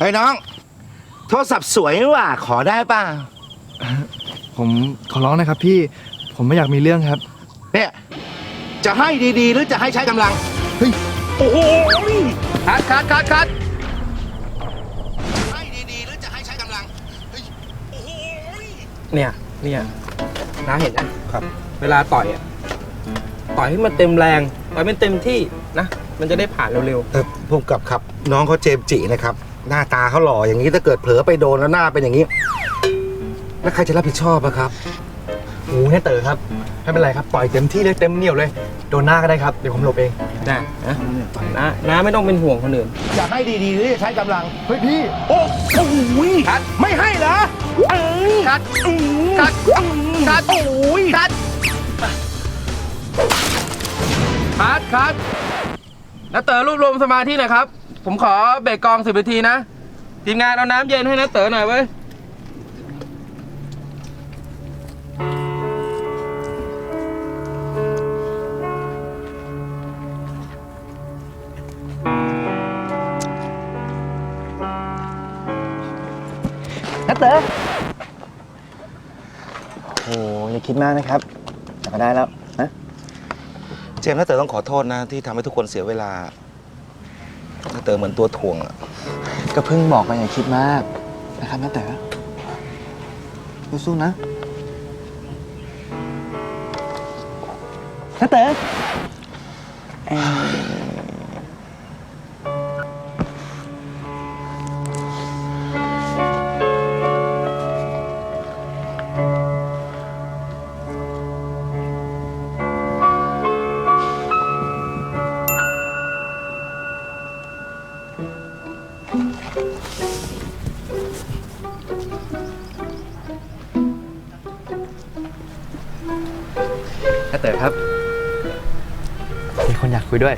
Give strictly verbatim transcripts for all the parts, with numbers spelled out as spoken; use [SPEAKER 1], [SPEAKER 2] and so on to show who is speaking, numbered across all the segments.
[SPEAKER 1] ฮ้ยน้องโทรศัพท์สวยว่ะขอได้ป่ะ
[SPEAKER 2] ผมขอร้องนะครับพี่ผมไม่อยากมีเรื่องครับ
[SPEAKER 1] เนี่ยจะให้ดีๆหรือจะให้ใช้กำลังเฮ้ยโอ้โหคัดคัดคัดคัดให้ดีๆหรือจะให้ใช้กำลังเฮ้ยโอ้โห
[SPEAKER 3] เนี่ยเนี่ยน้าเห็นนะครับเวลาต่อยอ่ะต่อยให้มันเต็มแรงต่อยมันเต็มที่นะมันจะได้ผ่านเร็วๆ
[SPEAKER 1] เออพุ่มกับครับน้องเขาเจมส์จินะครับหน้าตาเขาหล่ออย่างนี้ถ้าเกิดเผลอไปโดนแล้วหน้าเป็นอย่างนี้แล้วใครจะรับผิดชอบอะครับ
[SPEAKER 2] โอ้เนี่ยเต๋อครับไม่เป็นไรครับต่อยเต็มที่เลยเต็มเหนียวเลยโดนหน้าก็ได้ครับเดี๋ยวผมหลบเอง
[SPEAKER 3] นะนะนะน้าไม่ต้องเป็นห่วงคนอื่น
[SPEAKER 1] อยากให้ดีๆหรือจะใช้กำลัง
[SPEAKER 2] เฮ้ยพี่
[SPEAKER 1] โอ้โหคัดไม่ให้เหรอคัดคัดคัดโอ้ยคัด
[SPEAKER 3] คัดคัดน้าเต๋อรวบรวมสมาธิหน่อยครับผมขอเบรกกองสิบนาทีนะทีมงานเอาน้ำเย็นให้น้าเต๋อหน่อยเว้ย
[SPEAKER 2] น้าเต๋อโอ้อย่าคิดมากนะครับแต่ก็ได้แล้วนะ
[SPEAKER 1] เจมส์น้าเต๋อต้องขอโทษนะที่ทำให้ทุกคนเสียเวลาน้าเต๋อเหมือนตัวถ่วงอะ
[SPEAKER 2] ก็เพิ่งบอกไปอย่าคิดมากนะครับน้าเต๋อสู้ๆนะน้าเต๋อน้าเต๋อครับมีคนอยากคุยด้วย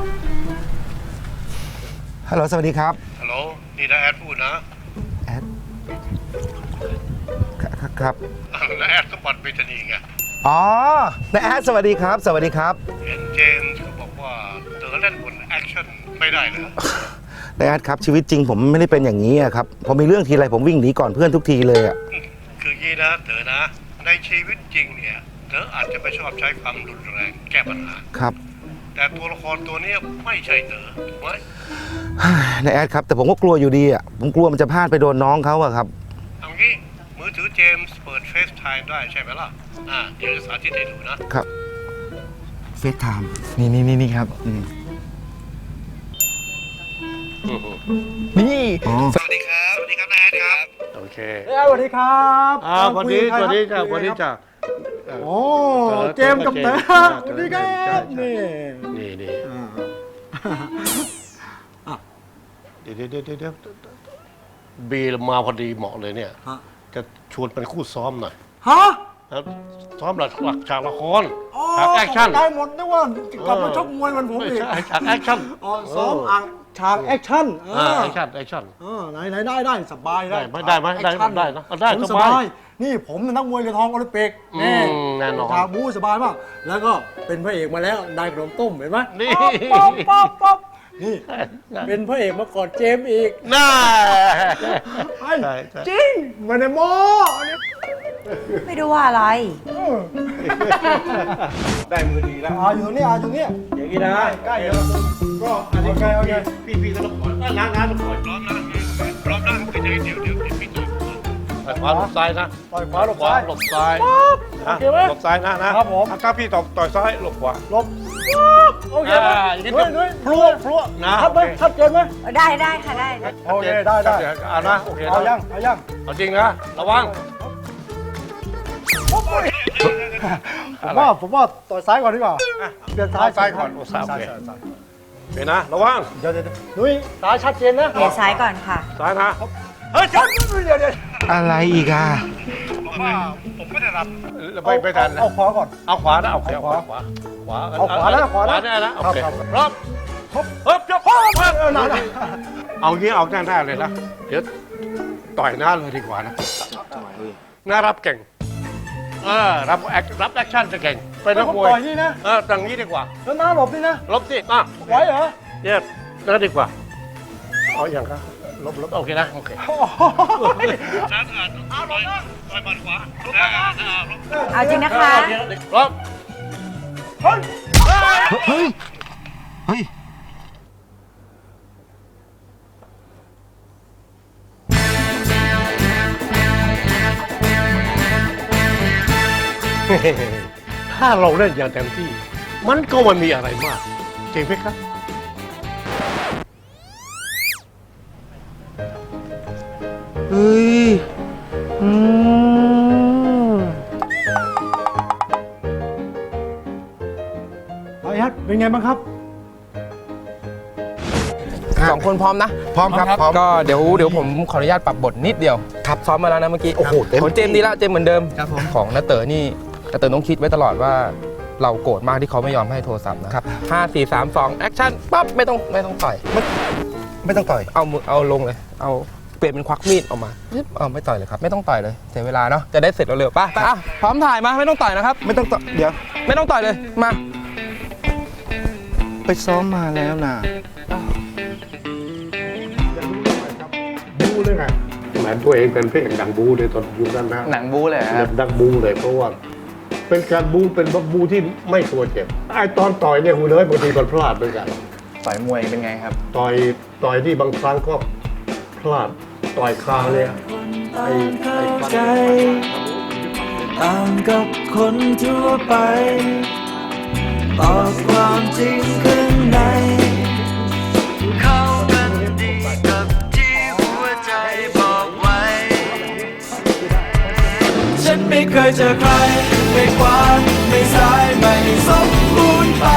[SPEAKER 1] ฮัลโหลสวัสดีครับ
[SPEAKER 4] ฮัลโหลนี่นะแอดพูดนะ
[SPEAKER 1] แอดครับ
[SPEAKER 4] นะแอดสมบัติเบตานีไง
[SPEAKER 1] อ๋อนะแอดสวัสดีครับสวัสดีครับ
[SPEAKER 4] เห็นเจมส์เขาบอกว่าเต๋อเล่นบนแอคชั่นไม่ได้เหรอ
[SPEAKER 1] นะแอดครับชีวิตจริงผมไม่ได้เป็นอย่างนี้ครับพอมีเรื่องทีไรผมวิ่งหนีก่อนเพื่อนทุกทีเลยอ่ะ
[SPEAKER 4] คือยี่นะเต๋อนะในชีวิตจริงเนี่ยเต๋ออาจจะไม่ชอบใช้ความรุนแรงแก้ปัญหา
[SPEAKER 1] ครับ
[SPEAKER 4] แต่ตัวละครตัวนี้ไม่ใช่เต๋อถูกไหม
[SPEAKER 1] นะแอดครับแต่ผมก็กลัวอยู่ดีอ่ะผมกลัวมันจะพลาดไปโดนน้องเขาอะครับ
[SPEAKER 4] เอางี้มือถือเจมส์เปิดเฟซไทม์ได้ใช่ไหมล่ะอ่าเดี๋ยวจะสาธิตให้ดูนะครับ
[SPEAKER 1] เฟซไทม์
[SPEAKER 2] นี่นี่นี่นี่ครับนี่
[SPEAKER 4] สวัสดีครับสวัสดีครับนะแอดครับ
[SPEAKER 5] โอเค
[SPEAKER 2] สวัสดีครับ
[SPEAKER 5] อ่าวันนี้วันนี้จ้ะวันนี้จ้ะ
[SPEAKER 2] โอ้เจมกับเต๋อสวัสดีครับนี่
[SPEAKER 5] นี่นี่เดี๋ยวเดี๋ยวเดี๋ยวเดี๋ยวบีมาพอดีเหมาะเลยเนี่ยจะชวนเป็นคู่ซ้อมหน่อย
[SPEAKER 2] ฮะ
[SPEAKER 5] ซ้อมหลักหลักฉากละครฉากแอคชั่น
[SPEAKER 2] ได้หมดนะว่ากลับมาชกมวยมันผมอีก
[SPEAKER 5] ฉากแอคชั่น
[SPEAKER 2] อ๋อซ้อมอ่างฉากแอคชั่น
[SPEAKER 5] แอคชั่นแอคชั่น
[SPEAKER 2] ไหนไหนได้ได้สบายได้
[SPEAKER 5] ไม่ได้ไหมได้ได้นะได้
[SPEAKER 2] สบายนี่ผมเป็นนักมวยเหรียญทองโอลิมปิกนี่
[SPEAKER 5] แน่นอน
[SPEAKER 2] ฉากบู๊สบายมากแล้วก็เป็นพระเอกมาแล้วได้ขนมต้มเห็นไหม
[SPEAKER 5] นี่
[SPEAKER 2] ป๊อปป๊อปป๊อปนี่เป็นพระเอกมาก่อนเจมอีก
[SPEAKER 5] น่า
[SPEAKER 2] จริงมาในโม
[SPEAKER 6] ไม่รู้ว่าอะไร
[SPEAKER 2] ได้มือดีแล้วอ่าอยู่ตรงนี้อ่าอยู่ตรงนี้อย่างนี้นะใกล้แล้วก็อันนี้ใกล้โอเค
[SPEAKER 5] พี่พี่ก็ต้องขอน้าน้าต้องขอ
[SPEAKER 4] พร้อมนะพร้อมนะก็จะเดี๋ยวเดี๋ยวพี่ต่อย
[SPEAKER 5] ขวาหลบซ้ายนะ
[SPEAKER 2] ต่อยขวาหลบซ้าย
[SPEAKER 5] หลบซ้าย
[SPEAKER 2] โอเคไหม
[SPEAKER 5] หลบซ้ายนะนะครับ
[SPEAKER 2] ผม
[SPEAKER 5] ถ้าพี่ต่อต่อยซ้ายหลบขวา
[SPEAKER 2] หลบโอเค
[SPEAKER 5] นุ้ยนุ้ยพลัวพลัวนะครับ
[SPEAKER 2] ไหมชัดเจนไหม
[SPEAKER 6] ได้ได้ค่ะได้
[SPEAKER 2] โอเคได้ได้
[SPEAKER 5] เอานะโอเค
[SPEAKER 2] เอายังเอายัง
[SPEAKER 5] เอาจริงนะระวัง
[SPEAKER 2] ผมว่าผมว่าต่อยซ้ายก่อนดีกว่าเปลี่ยนซ้าย
[SPEAKER 5] ซ้ายก่อนโอ้ซ้ายเป็นนะระวัง
[SPEAKER 2] เดี๋ยวเดี๋ยวนุ้ยซ้ายชัดเจนนะ
[SPEAKER 6] เปลี่ยนซ้ายก่อนค่ะ
[SPEAKER 5] ซ้ายนะ
[SPEAKER 2] เฮ้ยชัดเดี๋ยวเดี๋ยว
[SPEAKER 1] อะไรอีกอ่ะ
[SPEAKER 4] ผมว่าผมไม่ได้รับ
[SPEAKER 5] ไปไปทัน
[SPEAKER 2] เอาขวาก่อน
[SPEAKER 5] เอาขวานะเอาขวาขวาขวา
[SPEAKER 2] เอาขวาแล้วขวาแล้ว
[SPEAKER 5] ได้แล้วโอเคพร้อมครบเฮ้ยจะพร้อมเอางี้เอาหน้าเลยนะเดี๋ยวต่อยหน้าเลยดีกว่านะหน้ารับเก่งเออรับแอครับแอคชั่นจะเก่งเป็นนักมวย
[SPEAKER 2] ต่อยนี่นะ
[SPEAKER 5] เออตั้งนี้ดีกว่า
[SPEAKER 2] แล้วหน้าหลบนี่นะ
[SPEAKER 5] หลบสิอ่ะ
[SPEAKER 2] ไว้เหรอ
[SPEAKER 5] เนี่ยนั่นดีกว่าเอาอย่างครับลบลบโอเคนะโอเค
[SPEAKER 4] นั่นอ่ะต่อยต่อยหมัดขวาอ่าอ่า
[SPEAKER 6] เอาจริงนะคะ
[SPEAKER 5] พร้อม
[SPEAKER 1] เฮ้ย เฮ้ย
[SPEAKER 5] ถ้าเราเล่นอย่างเต็มที่ มันก็ไมันมีอะไรมากจริงไหมครับ
[SPEAKER 1] เฮ้ย อืม
[SPEAKER 2] เอาไอ้ฮัทเป็นไงบ้างครับ
[SPEAKER 3] สองคนพร้อมนะ
[SPEAKER 1] พร้อมครับพร้อม
[SPEAKER 3] ก็เดี๋ยวเดี๋ยวผมขออนุญาตปรับบทนิดเดียวครับซ้อมมาแล้วนะเมื่อกี้
[SPEAKER 1] โอ้โหเต็ม
[SPEAKER 3] ของเจมส์ดีละเจมส์เหมือนเดิม
[SPEAKER 2] ครับผม
[SPEAKER 3] ของนาเต๋อนี่นาเต๋อต้องคิดไว้ตลอดว่า เราโกรธมากที่เขาไม่ยอมให้โทรศัพท์นะครับห้าสี่สามสองแอคชั่นปั๊บไม่ต้องไม่ต้องต่อย
[SPEAKER 1] ไม่ต้องต่อย
[SPEAKER 3] เอามือเอาลงเลย เอาเปลี่ยนเป็นควักมีดออกมาปึ๊บเอาไม่ต่อยเลยครับไม่ต้องต่อยเลยเสียเวลาเนาะจะได้เสร็จเร็วๆป่ะอ่ะพร้อมถ่ายมาไม่ต้องต่อยนะครับ
[SPEAKER 1] ไม่ต้องต่อย เดี๋ยว
[SPEAKER 3] ไม่ต้องต่อยเลยมา
[SPEAKER 1] ไปซ้อมมาแล้วนะ
[SPEAKER 5] บูเลยไงแหมตัวเองเป็นพระเอกดังบูเลยตอนอยู่ด้านหน้า
[SPEAKER 2] หนังบู๊เลยครับ
[SPEAKER 5] ดังบูเลยเพราะว่า เป็นการบูเป็นบูที่ไม่กลัวเจ็บไอ้ตอนต่อยเนี่ยคุณเลยบางทีมันพลาดเหมือนกัน
[SPEAKER 2] ต่อยมวยเป็นไงครับ
[SPEAKER 5] ต่อยต่อยที่บางครั้งก็พลาดต่อยคาเนี่ยไอ้ไอ้ฟัน
[SPEAKER 7] ต่างกับคนทั่วไปตอบความจริงข้างในเข้ากันดีกับที่หัวใจบอกไว้ ฉันไม่เคยเจอใครไม่ขวาไม่ซ้ายไม่สมบูรณ์ไป